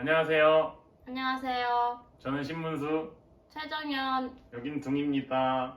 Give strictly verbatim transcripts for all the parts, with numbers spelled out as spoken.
안녕하세요. 안녕하세요. 저는 신문수, 최정현입니다. 여긴 둥입니다.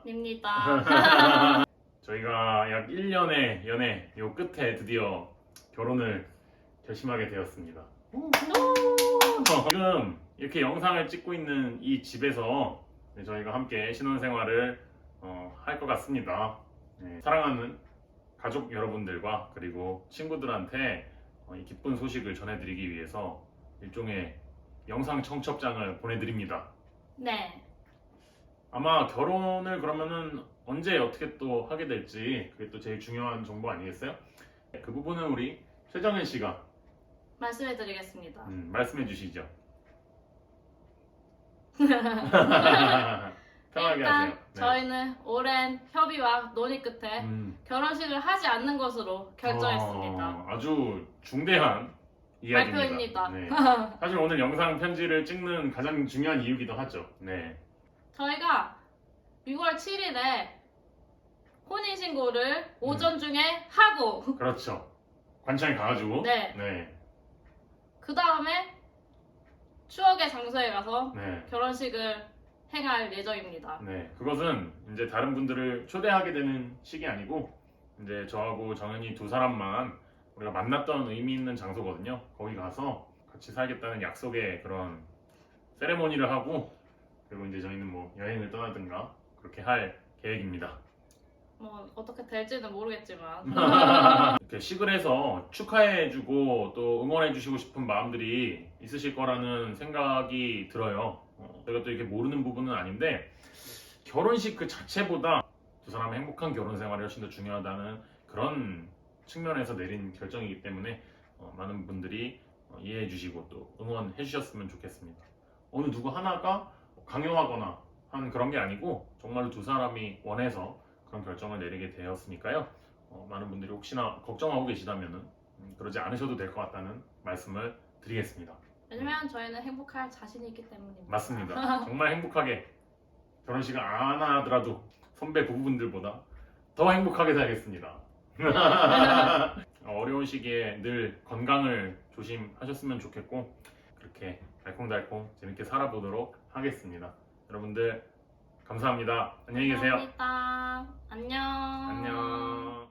저희가 약 일 년의 연애 요 끝에 드디어 결혼을 결심하게 되었습니다. 어, 지금 이렇게 영상을 찍고 있는 이 집에서 저희가 함께 신혼생활을 어, 할 것 같습니다. 네, 사랑하는 가족 여러분들과 그리고 친구들한테 어, 이 기쁜 소식을 전해드리기 위해서 일종의 영상 청첩장을 보내드립니다. 네. 아마 결혼을 그러면은 언제 어떻게 또 하게 될지 그게 또 제일 중요한 정보 아니겠어요? 그 부분은 우리 최정현 씨가 말씀해 드리겠습니다. 음, 말씀해 주시죠. 편하게 일단 하세요. 네. 저희는 오랜 협의와 논의 끝에 음, 결혼식을 하지 않는 것으로 결정했습니다. 어, 아주 중대한 이야기입니다. 발표입니다. 네. 사실 오늘 영상 편지를 찍는 가장 중요한 이유기도 하죠. 네. 저희가 유월 칠일에 혼인신고를 음. 오전 중에 하고 그렇죠. 관찰 가가지고. 네. 네. 그 다음에 추억의 장소에 가서 네. 결혼식을 행할 예정입니다. 네, 그것은 이제 다른 분들을 초대하게 되는 식이 아니고 이제 저하고 정현이 두 사람만 우리가 만났던 의미 있는 장소거든요. 거기 가서 같이 살겠다는 약속의 그런 세레모니를 하고 그리고 이제 저희는 뭐 여행을 떠나든가 그렇게 할 계획입니다. 뭐 어떻게 될지는 모르겠지만 이렇게 식을 해서 축하해주고 또 응원해주시고 싶은 마음들이 있으실 거라는 생각이 들어요. 어, 저희가 또 이렇게 모르는 부분은 아닌데 결혼식 그 자체보다 두 사람의 행복한 결혼 생활이 훨씬 더 중요하다는 그런 측면에서 내린 결정이기 때문에 어, 많은 분들이 어, 이해해 주시고 또 응원해 주셨으면 좋겠습니다. 어느 누구 하나가 강요하거나 한 그런 게 아니고 정말로 두 사람이 원해서 그런 결정을 내리게 되었으니까요. 어, 많은 분들이 혹시나 걱정하고 계시다면 음, 그러지 않으셔도 될 것 같다는 말씀을 드리겠습니다. 왜냐면 저희는 행복할 자신이 있기 때문입니다. 맞습니다. 정말 행복하게 결혼식을 안 하더라도 선배 부부분들보다 더 행복하게 살겠습니다. 어려운 시기에 늘 건강을 조심하셨으면 좋겠고 그렇게 달콩달콩 재밌게 살아보도록 하겠습니다. 여러분들 감사합니다. 안녕히 계세요. 감사합니다. 안녕. 안녕.